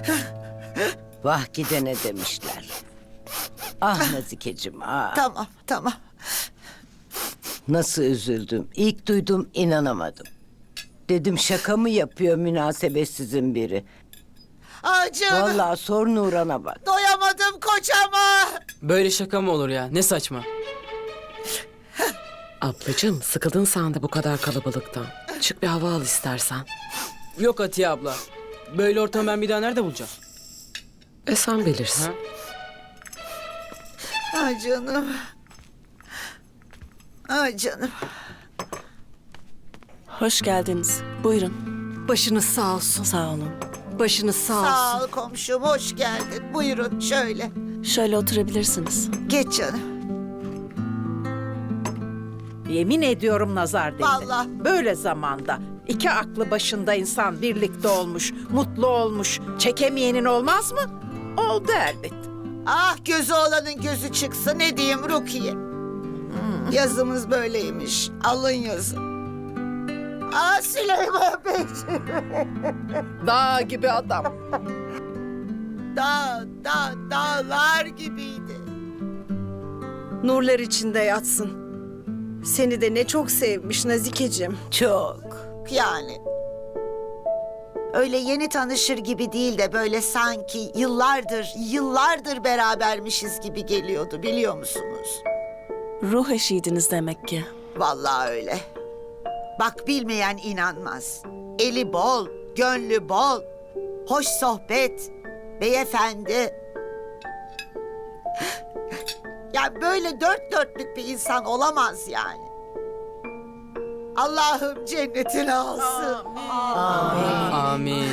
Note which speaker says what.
Speaker 1: Vah gidene demişler. Ah Nazikeciğim ah.
Speaker 2: Tamam, tamam.
Speaker 1: Nasıl üzüldüm. İlk duydum inanamadım. Dedim şaka mı yapıyor münasebetsizin biri.
Speaker 2: Canım.
Speaker 1: Vallahi sor Nuran'a bak.
Speaker 2: Doyamadım kocama.
Speaker 3: Böyle şaka mı olur ya? Ne saçma.
Speaker 4: Ablacığım sıkıldın sen de bu kadar kalabalıktan. Çık bir hava al istersen.
Speaker 3: Yok Atiye abla. Böyle ortamı ben bir daha nerede bulacağım?
Speaker 4: Sen bilirsin.
Speaker 3: Ha?
Speaker 2: Canım. Canım.
Speaker 5: Hoş geldiniz. Buyurun.
Speaker 6: Başınız sağ olsun.
Speaker 5: Sağ olun.
Speaker 6: Başınız sağ olsun.
Speaker 2: Sağ ol komşum, hoş geldin. Buyurun şöyle.
Speaker 5: Şöyle oturabilirsiniz.
Speaker 2: Geç canım.
Speaker 6: Yemin ediyorum nazar değdi.
Speaker 2: Vallahi.
Speaker 6: Böyle zamanda iki aklı başında insan birlikte olmuş, mutlu olmuş. Çekemeyenin olmaz mı? Oldu elbet.
Speaker 2: Ah gözü olanın gözü çıksa ne diyeyim Rukiye. Yazımız böyleymiş. Alın yazı. Süleyman Beyciğim.
Speaker 6: Dağ gibi adam.
Speaker 2: Dağlar gibiydi.
Speaker 7: Nurlar içinde yatsın. Seni de ne çok sevmiş Nazikeciğim.
Speaker 1: Çok.
Speaker 2: Yani. Öyle yeni tanışır gibi değil de böyle sanki yıllardır berabermişiz gibi geliyordu biliyor musunuz?
Speaker 5: Ruh eşiydiniz demek ki.
Speaker 2: Vallahi öyle. Bak bilmeyen inanmaz. Eli bol, gönlü bol, hoş sohbet, beyefendi. Ya böyle dört dörtlük bir insan olamaz yani. Allah'ım cennetini alsın.
Speaker 3: Amin.